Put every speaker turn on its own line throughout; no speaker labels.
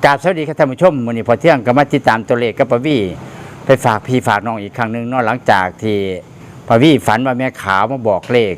กราบสวัสดีครับท่านผู้ชมมื้อนี้พอเที่ยงก็มาติดตามตัวเลขกับปะวี่ไปฝากพี่ฝากน้องอีกครั้งหนึงเนาะหลังจากที่ปะวี่ฝันว่าแม่ขาวมาบอกเลข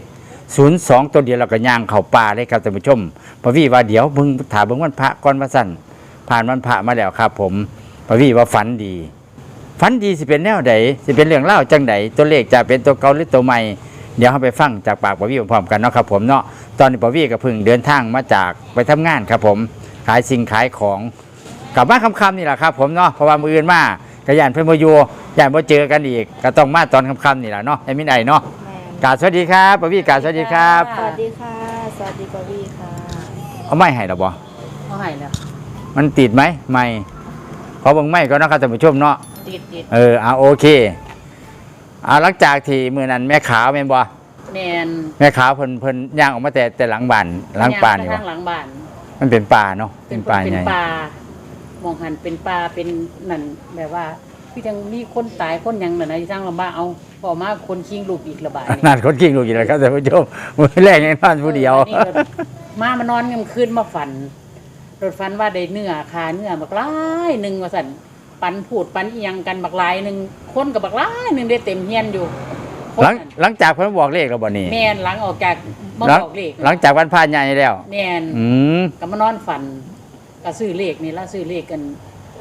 02ตัวเดียวแล้วก็ย่างเข้าป่าเลยครับท่านผู้ชมปะวี่ว่าเดี๋ยวเบิ่งถามเบิ่งวันพระก่อนว่าซั่นผ่านวันพระมาแล้วครับผมปะวี่ว่าฝันดีสิเป็นแนวใดสิเป็นเรื่องเล่าวจังใดตัวเลขจะเป็นตัวเก่าหรือตัวใหม่เดี๋ยวเราไปฟังจากปากปะวี่พร้อมๆกันเนาะครับผมเนาะตอนนี้ปะวี่ก็เพิ่งเดินทางมาจากไปทำงานครับผมขายสิ่งขายของกลับมาค่ำๆนี่แหละครับผมเนาะเพราะว่ามื้ออื่นมากระยานเพิ่นบ่อยู่ย่านบ่เจอกันอีกก็ต้องมาตอนค่ำๆนี่แหละเนาะให้มินไอเนาะกราบสวัสดีครับปะวี่กราบสวัสดีครับ
สวัสดีค่ะ สวัสดีปวีค่ะ
เอาไม้ให้ดอกบ่
เอาให้แล้ว
มันติดไหมไม่ขอเบิ่งไม้ก่อนเนาะครับท่านผู้ชมเนาะ
ติด
โอเคหลังจากที่มื้อนั้นแม่ขาวแม่นบ่
แมน
แม่ขาวเพิ่นย่างออกมาแต่หลังบ้านหลังป่านี่
ย่
บ่
ทางหลังบ้าน
มันเป็นป่าเนาะ
เป็น
ป่า
เป็น
ใหญ่
ปลามองหันเป็นปลาเป็นนั่นแบบว่าพี่ยังมีคนตายคนหยังนั่นนะที่ทางลำบ้านเอาพอมาคนคิงลูกอีกระบาดนี่
นั่นคนกิ้งลูกอยู่แล้วครับท่านผู้ชมมื้อแรกยังนอนผู้เดียว
นี่ก็มานอนกลางคืนมาฝันรถฝันว่าได้เนื้อคาเนื้อบักหลายหนึงว่าสั่นปันพูดปันอีหยังกันบักหลายหนึงคนกับบักหลายหนึงได้เต็มเฮียนอยู่คนนั้น
หลังจากเพิ่นบอกเลขแล้วบ่นี่
แม่นหลังออกจากมา
หลัง
บอกเลข
หลังจากวันพระใหญ่แล้ว
แม่น
อืม
ก็มานอนฝันก็ซื้อเลขนี่ละซื้อเลขกัน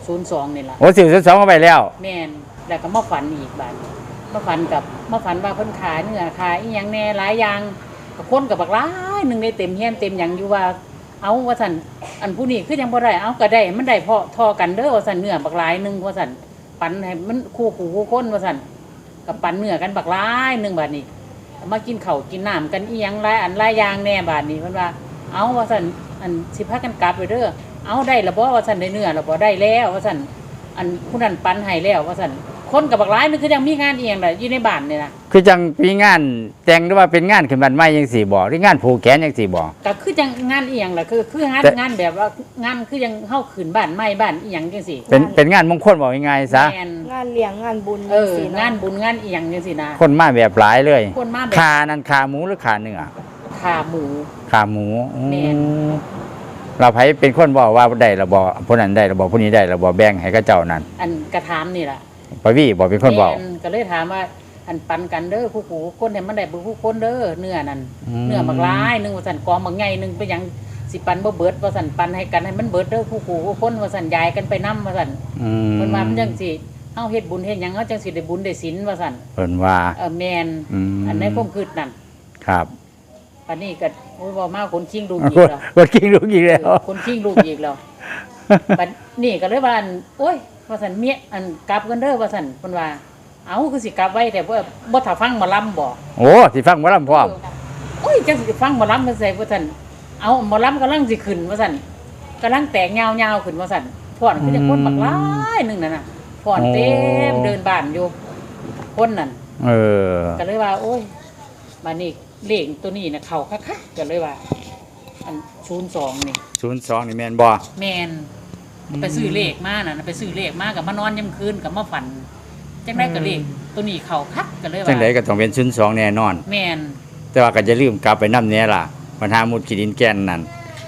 02นี่ละ
โอ้สิบสองเข้าไปแล้ว
แม่นแล้วก็มาฝันอีกบาดนี้มาฝันว่าเพิ่นขายเนื้อขายอีหยังแน่หลายอย่างก็คนกับบักหลายหนึงได้เต็มเฮียนเต็มหยังอยู่ว่าเอาว่าซั่นอันผู้นี้คือยังบ่ได้เอาก็ได้มันได้พอทอกันเด้อว่าซั่นเนื้อบักหลายหนึงว่าซั่นปันให้มันคู่คนว่าซั่นก็ปันเนื้อกันบักหลายหนึงบาดนี้มากินข้าวกินน้ำกันอีหยังหลายอันหลายอย่างแน่บาดนี้เพิ่นว่าเอาว่าซั่นอันสิพากันกลับไปเด้อเอาได้ละบ่ว่าซั่นได้เนื้อละบ่ได้แล้วว่าซั่นอันผู้นั้นปันให้แล้วว่าซั่นคนกับบักหลายนึงคือยังมีงานอีหยังล่ะอยู่ในบ้านนี่นะ
คือจังมีงานแต่งหรือว่าเป็นงานขึ้นบ้านใหม่จังซี่บ่หรืองานผูกแขนจังซี่บ่
ก็คือจังงานอีหยังล่ะคืองาน
แต่
งานแบบว่างานคือยังเฮาขึ้นบ้านใหม่บ้านอีหยังจังซี่
เป็นงานมงคลบอกง่ายๆซะ
แม่น
งานเลี้ยงงานบุญ
สิงานบุญงานอีหยังจังซี่นะ
คนมาแบบหลายเลย
คนมาแบบ
ขานั่นขาหมูหรือขาเนื้อ
ขาหมู
ขาหมู
แม่น
เราไผเป็นคนบอกว่าได้ระบ่ผู้นั้นได้ระบ่ผู้นี้ได้ระบ่แบ่งให้กับเจ้านั่น
อันกระถามนี่ล่ะ
ปะวี่บอกเป็นคนบอก
แม่ก็เลยถามว่าอันปันกันเด้อผู้คนให้มันได้ผู้คนเด้อเนื้อนั่น เนื้อบักหลายหนึงว่าซั่นกองบักใหญ่หนึงไปหยังสิปันบ่เบิดว่าซั่นปันให้กันให้มันเบิดเด้อผู้คนว่าซั่นยายกันไปนำว่าซั่น
อืม
เพิ่นว่ามันจังสิเฮาเฮ็ดบุญเฮ็ดหยังเฮาจังสิได้บุญได้ศีลว่าซั่น
เพิ่นว่า
แม่น
อืม
อันในความคิดนั่น
ครับ
ปานนี้ก็โอ้ยบ่มาคนชิงลูกอีก
กด
แล้ว
กดกิ้งลูกอีกแล้ว
คนชิงลูกอีกแล้วบัดนี้ก็เลยว่าอันโอ้ยว่าซั่นเมียอันกลับกันเด้อว่าซั่นเพิ่นว่าเอ้าคือสิกลับไว้แต่บ่ถ้าฟังหมอลำบ่
โอ้สิฟังบ่ลำพร้อม
โอ้ยจังสิฟังหมอลำมันใส่ว่าซั่นเอาหมอลำกำลังสิขึ้นว่าซั่นกำลังแตกยาวๆขึ้นว่าซั่นฟ้อนคือจังคนบักหลายหนึงนั่นน่ะฟ้อนเต็มเดินบ้านอยู่คนนั่น
เออ
ก็เลยว่า โอ้ยมานี่เลขตัวนี้นะเขาคักๆก็เลยว่า อัน02นี่
02นี่แม่นบ่
แมนไปซื้อเลขมาน่ะไปซื้อเลขมากับมานอนยามคืนกับมาฝันจังได้ก็เลขตัวนี้เขาคักก็เลยว่า
จังไดก็ต้องเป็น02แน่นอน
แมน
แต่ว่าก็จะลืมกลับไปนำแน่ล่ะปัญหามุดขี้ดินแก่นนั่น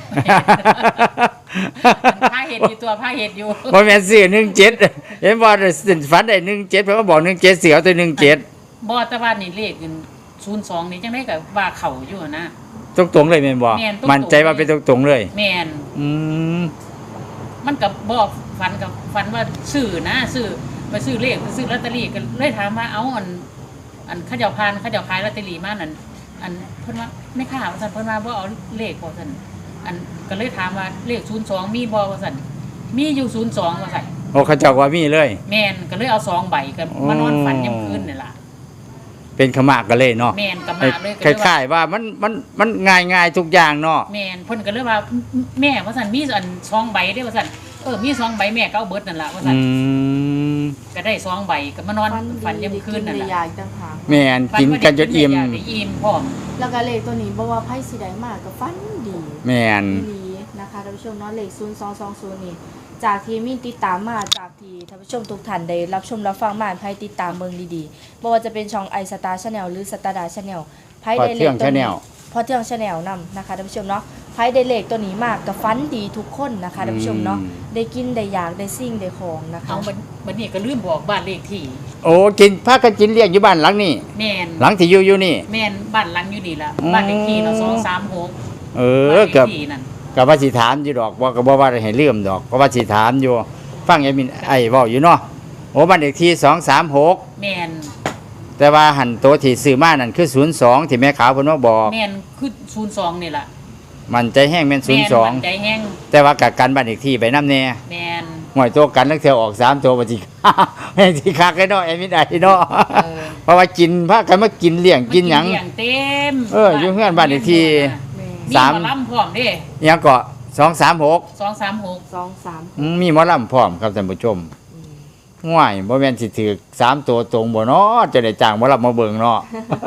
ผ้าเห็ดอยู่ตัวผ้าเห็ดอยู่
บ่แม่นซื้อ17เห็นบ่ฝันได้17เพิ่นก็บอก17เสือเอาตัว17
บ่แต่ว่านี่เลข02นี่จังได้ก็ว่าเขาอยู่นะ
ตรงๆเลยแม่นบ่
แม่นตรงๆ
มั่นใจว่าเป็นตรงๆเลย
แมน
อืม
มันกับบ่ฝันว่าซื้อนะซื้อไปซื้อเลขไปซื้อลอตเตอรี่ก็เลยถามว่าเอาอันเขาเจ้าขายลอตเตอรี่มานั่นอันเพิ่นว่าไม่ค่าว่าซั่นเพิ่นว่าบ่เอาเลขบ่ซั่นอันก็เลยถามว่าเลข02มีบ่ว่าซั่นมีอยู่02ว่าซั่น
โอ้เขาเจ้าว่ามีเลย
แม่นก็เลยเอา2ใบก็มานอนฝันยามคืนนี่ล่ะ
เป็นขมากกันเลยเนาะ
แม่นก็มาเลยก็
ค
เลยว่า
ล้ายๆว่ามันง่ายๆทุกอย่างเนาะ
แม่นเพิ่นก็เลยว่าแม่ว่าซั่นมีอัน2ใบเด้อว่าซั่นมี2ใบแม่ก็เอาเบิดนั่นล่ะว่าซั่น ก็ได้2ใบก็มานอนฝันยามคืนนั่น
ได้
ล่ะ
ยาอีกต่างหาก
แม่นกินกันจนอิ่ม
ฝัว่าได้อิ่มพร้อม
แล้วก็เลขตัวนี้บอกว่าไพ่สีแดงมากก็ฟันดี
แม่น
ดีนะคะท่านผู้ชมเนาะเลข0220นี่จากที่มีติดตามมาจากที่ท่านผู้ชมทุกท่านได้รับชมรับฟังมาไพ่ติดตามเมืองดีๆบ่ว่าจะเป็นช่องไอสตาร์ชาแนลหรือสตาร์ดาชาแนลไพ่
พอ
ได้เล
เที่ย
ข
ง
ตัวนี้
Channel
พอเที่ยงชาแนลนำนะคะท่านผู้ชมเนาะไพ่ได้เลขตัวนี้มากกับฟันดีทุกคนนะคะท่านผู้ชมเนาะได้กินได้อยากได้สิ่งได้ของนะคะ
เอาบัดนี้ก็ลืมบอกบ้านเลขที่
โอ้กินพากันกินเลี้ยงอยู่บ้านหลังนี้
แม่น
หลังที่อยู่นี่
แม่นบ้านหลังอยู่นี่ล่ะบ้านเลขที่เรา236
เอ
บ้า
อน
เล
กับ
ขที่นั่น
กับว่าสิถามอยู่ดอกว่าก็บ่ว่าให้ลืมดอกก็ว่าสิถามอยู่ฟังยายมินไอ้เว้าอยู่เนาะโอ้บ้านเลขที่236
แม่น
แต่ว่าหันตัวที่ซื้อมานั่นคือ02ที่แม่ขาวเพิ่นมาบอก
แม่นคือ02นี่ล่ะ
มันใจแห้งแม่น
แม่นมั่นใจ
02
แห้ง
แต่ว่ากักกันบ้านเลขที่ไปนำแน่
แม่น
หวยตัวกันลังเที่ยวออก3ตัวบ่สิ แม่นสิคักเลยเนาะไอ้มินไอ้เนาะ เพราะว่ากินพากันมากินเลี้ยงกินหยัง
เลี้ยงเต็ม
อยู่เฮือนบ้านเลขที่
มี
สาม
หมอลำพร้อมเด้
หยังก็236
236
2-3
มีหมอลำพร้อมครับท่านผู้ชมง่วยบ่แม่นสิถือ3ตัวตรงบ่เนาะจะได้จ้างหมอลำมาเบิ่งเนาะ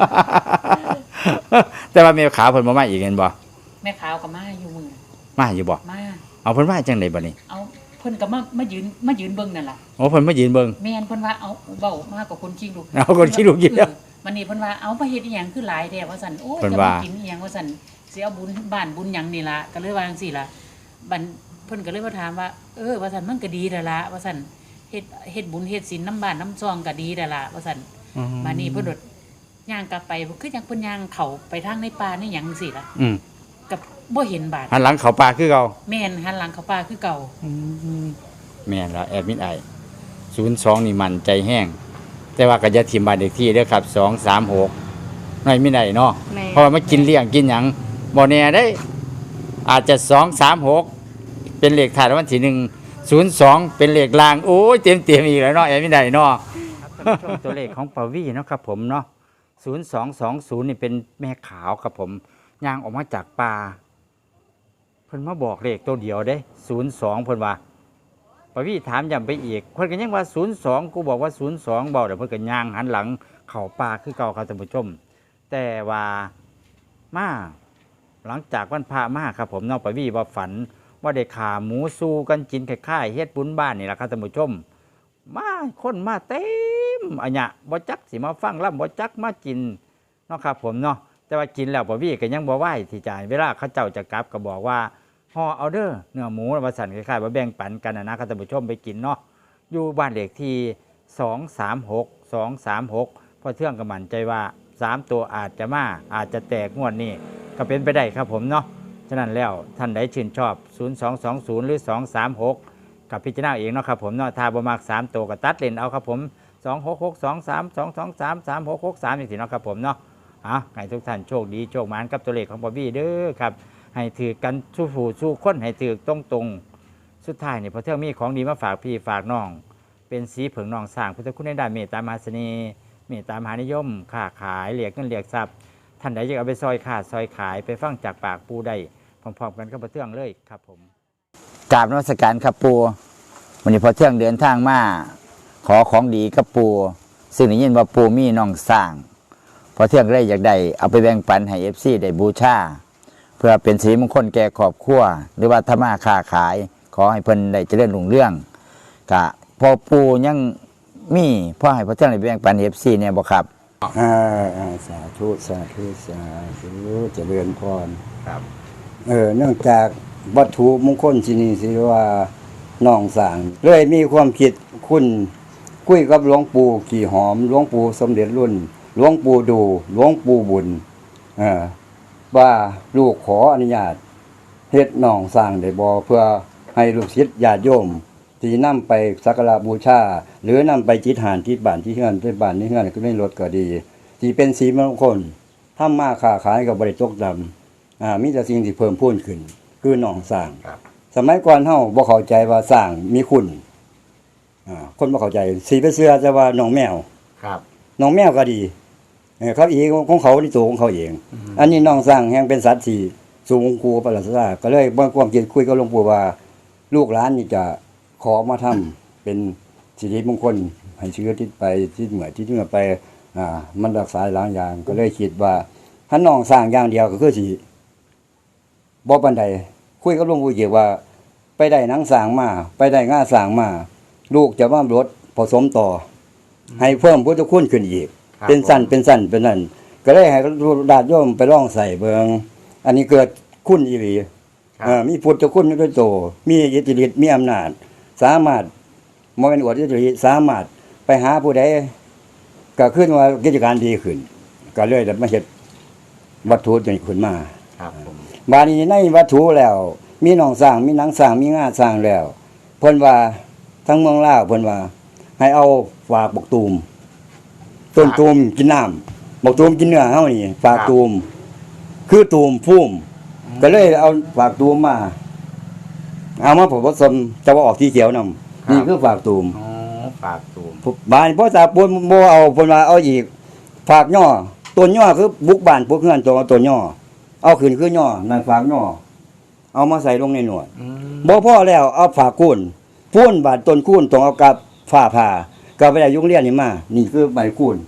แต่ว่าแม่ขาวเพิ่นบ่มาอีกเห็นบ่
แม่ขาวก็มาอยู่มือ
มาอยู่บ่
มา
เอาเพิ่นมาจังไดบัดนี้
เอาเพิ่นก็มายืนเบิ่งนั่นล่ะ
โอ้เพิ่นมายืนเบิ่ง
แม่นเพิ่นว่าเอาเว้ามากับคนขี้ลูก
เอาคนขี้ลูกอีกแล้ว
วันนี้เพิ่นว่าเอาไปเฮ็ดอีหยังคือหลายแท้ว่าซั่นโอ้ย
เพิ่น
จะ
ว่า
มากินอีหยังว่าซั่นสิเอาบุญบ้านบุญหยังนี่ล่ะก็เลยว่าจังซี่ล่ะบัดเพิ่นก็เลยมาถามว่าว่าซั่นมันก็ดีแล้วล่ะว่าซั่นเฮ็ดบุญเฮ็ดศีลน้ำบ้านน้ำซองก็ดีแล้วล่ะว่าซั่นมานี่เพิ่นโดดย่างกลับไปคือจังเพิ่นย่างเข้าไปทางในป่าในหยังจังซี่ล่ะ
อืม
ก็บ่เห็นบาด
หันหลังเขาป่าคือเก่า
แม่นหันหลังเข้าป่าคือเก่า
แม่นแล้วแอดมินไอ02นี่มันใจแห้งแต่ว่าก็อย่าทิ่มบ้านเลขที่เด้อครับ236น้อยไม่ได้เนาะ
แม่
เพราะว่ามากินเลี้ยงกินหยังบ่แน่ได้ อาจจะ236เป็นเลขท้ายรางวัลที่102เป็นเลขล่างโอ้ยเต็มๆอีกแล้วเนาะแอดมินไดเนาะครับท่านผู้ชมตัวเลขของปาวีเนาะครับผมเนาะ0220นี่เป็นแม่ขาวครับผมย่างออกมาจากป่าเพิ่นมาบอกเลขตัวเดียวเด้02เพิ่นว่าปาวีถามย้ำไปอีกเพิ่นก็ยังว่า02กูบอกว่า02เบาเดี๋ยวเพิ่นก็ย่างหันหลังเข้าป่าคือเก่าครับท่านผู้ชมแต่ว่ามาหลังจากวันพระมาครับผมน้องปาวีว่าฝันว่าได้ขาหมูสู้กันกินคล้ายๆเฮ็ดบุญบ้านนี่แหละครับท่านผู้ชมมาคนมาเต็มอันเนี้ยบ่จักสิมาฟังล่ำบ่จักมากินเนาะครับผมเนาะแต่ว่ากินแล้วปาวีก็ยังบ่ไหวที่จะเวลาเขาเจ้าจะกลับก็บอกว่าห่อเอาเด้อเนื้อหมูว่าสั่นคล้ายๆว่าแบ่งปันกันนะครับท่านผู้ชมไปกินเนาะอยู่บ้านเลขที่236พอเทื่องก็มั่นใจว่า3ตัวอาจจะมาอาจจะแตกงวดนี้ก็เป็นไปได้ครับผมเนาะฉะนั้นแล้วท่านใดชื่นชอบ0220หรือ236กับพิจารณาเองเนาะครับผมเนาะถ้าบ่มัก3ตัวก็ตัดเล่นเอาครับผม266232233663จังซี่เนาะครับผมเนาะให้ทุกท่านโชคดีโชคหมานกับตัวเลขของบอบบี้เด้อครับให้ถือกันสู้ผู้สู้คนให้ถือตรงๆสุดท้ายนี่พอเที่ยงมีของดีมาฝากพี่ฝากน้องเป็นสีเผิงน้องสร้างพุทธคุณในด้านเมตตามหาเสน่ห์เมตตามหานิยมค้าขายเหลียกเงินเหลียกทรัพย์ท่านใดอยากเอาไปซอยขาดซอยขายไปฟังจากปากปูได้พร้อมๆกันกับพอเที่ยงเลยครับผมกราบนมัสการครับปูวันนี้พอเที่ยงเดินทางมาขอของดีกับปูซึ่งได้ยินว่าปูมีน้องสร้างพอเที่ยงเลยอยากได้เอาไปแบ่งปันให้ FC ได้บูชาเพื่อเป็นสิริมงคลแก่ครอบครัวหรือว่าธรรมะค้าขายขอให้เพิ่นได้เจริญรุ่งเรืองกะพอปูยังมีพ่อให้พอเที่ยงได้แบ่งปัน FC เนี่ยบ่ครับ
สาธุสาธุสาธุเจริญพร
ครับ
เนื่องจากวัตถุมงคลที่นี่สิว่าน้องสร้างเลยมีความคิดคุณคุยกับหลวงปู่ขี่หอมหลวงปู่สมเด็จรุ่นหลวงปู่ดูหลวงปู่บุญว่าลูกขออนุญาตเฮ็ดน้องสร้างได้บ่เพื่อให้ลูกศิษย์ญาติโยมที่นำไปสักการะบูชาหรือนำไปจิตหานที่บ้านที่เฮือนที่บ้านที่เฮือนก็ไม่ลดก็ดีที่เป็นสีมงคลทำมาค้าขายก็บ่ได้ตกดำมีแต่สิ่งที่เพิ่มพูนขึ้นคือน้องสร้าง
ครับ
สมัยก่อนเฮาบ่เข้าใจว่าสร้างมีคุณคนบ่เข้าใจสีไปเสื้อจะว่าน้องแมว
ครับ
น้องแมวก็ดีเขาเองของเขาในตัวของเขาเอง อันนี้น้องสร้างแห่งเป็นสัตว์ที่สูงกูประหลาดซาก็เลยบ่ความคิดคุยกับหลวงปู่ว่าลูกหลานนี่จะขอมาทำเป็นสิริมงคลให้เชื้อทิศไปทิศเหนือทิศเหนือไปมันรักษาหลายอย่างก็เลยคิดว่าถ้าน้องสร้างอย่างเดียวก็คือสิบ่ปานใดคุยกับหลวงปู่เกี่ยวว่าไปได้หนังสร้างมาไปได้ง่าสร้างมาลูกจะมาลดผสมต่อให้เพิ่มพุทธคุณขึ้นอีก
ครับ
เป็นสั้นเป็นสั้นเป็นนั่นก็เลยให้ญาติโยมไปลองใส่เบิงอันนี้เกิดคุณอีหลีมีพุทธคุณด้วยโตมีอิทธิฤทธิ์มีอำนาจสามารถบ่แม่นอวดอิทธิฤทธิ์สามารถไปหาผู้ใดก็ขึ้นว่ากิจการดีขึ้นก็เลยได้มาเฮ็ดวัตถุนี้ขึ้นมา
ครับผม
บาดนี้ในวัตถุแล้ว มีหนองสร้างมีหนังสร้างมีงาสร้างแล้วเพิ่นว่าทั้งเมืองลาวเพิ่นว่า ให้เอาฝากบักตูมต้นตูมกินน้ำบักตูมกินเนื้อเฮานี่ฝากตูมคือตูมพุ่มก็เลยเอาฝากตูมมาเอามาผสมจะว่าออกสีเขียวนำนี่คือฝากตูม
อ๋อฝากตูม
บ้านพ่อตาปูนบ่เอาเพิ่นว่าเอาอีกฝากย่อต้นย่อคือบุกบ้านพวกเฮือนตัวต้นย่อเอาขึ้นคือย่อนั่นฝากย่อเอามาใส่ลงในหนวดบ่พอแล้วเอาฝากกุ้นพูนบาดต้นกุ้นต้องเอากับฝ้าผ่าก็ไปได้ยุงเรียนนี่มานี่คือใบกุ้น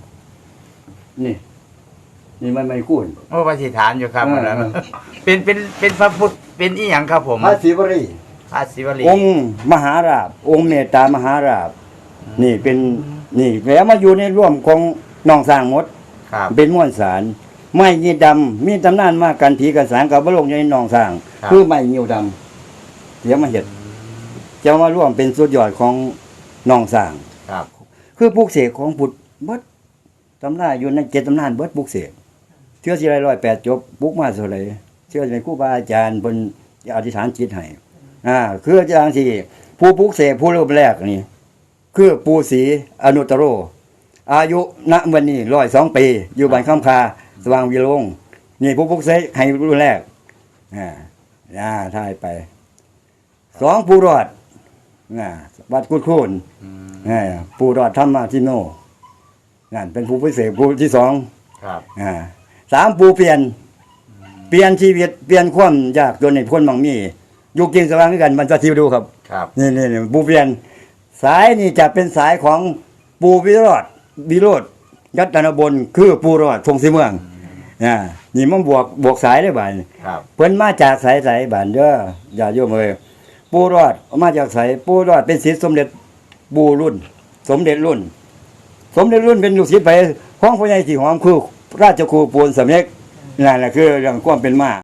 นี่มันใบกุ้น
โอ้ปฏิฐานอยู่ครับ
เออ
นั่นน่ะเป็นพระพุทธเป็นอีหยังครับผม
พระศิวรี
พระศิวลี
องค์มหาราชองค์เมตตามหาราชนี่เป็นนี่แล้วมาอยู่ในร่วมของน้องสร้างหมด
ครับ
เป็นม้วนสารไม้ยีดำมีตำนานมากันผีกันสางกับบลงในหนองสร้าง
ครับ
คือไม้ยิวดำเดี๋ยวมาเห็ดจะมาร่วมเป็นสุดยอดของหนองสร้าง
ครับ
คือปลูกเสกของบุตรเบิดตำนานอยู่ใน7ตำนานเบิดปลูกเสกเชื่อสิ108จบปลูกมาเท่าไหร่เชื่อในครูบาอาจารย์เพิ่นอธิษฐานจิตให้คืออาจารย์ที่ผู้ปลูกเสกผู้เริ่มแรกนี่คือปู่ศรีอนุตตโร อายุณวันนี้102 ปี อยู่บ้านคำคาสว่างวิโรงนี่ผู้พุกเสกให้รุ่นแรกถ่ายไป2ผู้รอดวัดกุดคูนผู้รอดธรรมทิโนนั่นเป็นผู้พิเศษผู้ที่2
ครับ
3ผู้เปลี่ยนชีวิตเปลี่ยนความยากจนในคนบางมีอยู่กินสว่างด้วยกันมันจะทิวดูครับ
ครับ
นี่ผู้เปลี่ยนสายนี่จะเป็นสายของปูวิโรธยัตนบลคือปูรอดทงสีเมืองนี่มันบวกสายได้บ่าย
ครับ
เพิ่นมาจากสายบ้านเด้ออย่าโยมเอ้ยปูรอดมาจากสายปูรอดเป็นศิษย์สมเด็จปู่รุ่น สมเด็จรุ่นเป็นลูกศิษย์ไปของพ่อใหญ่สีหอมคือราชครูปูนสำเร็จนั่นแหละคือเรื่องความเป็นมา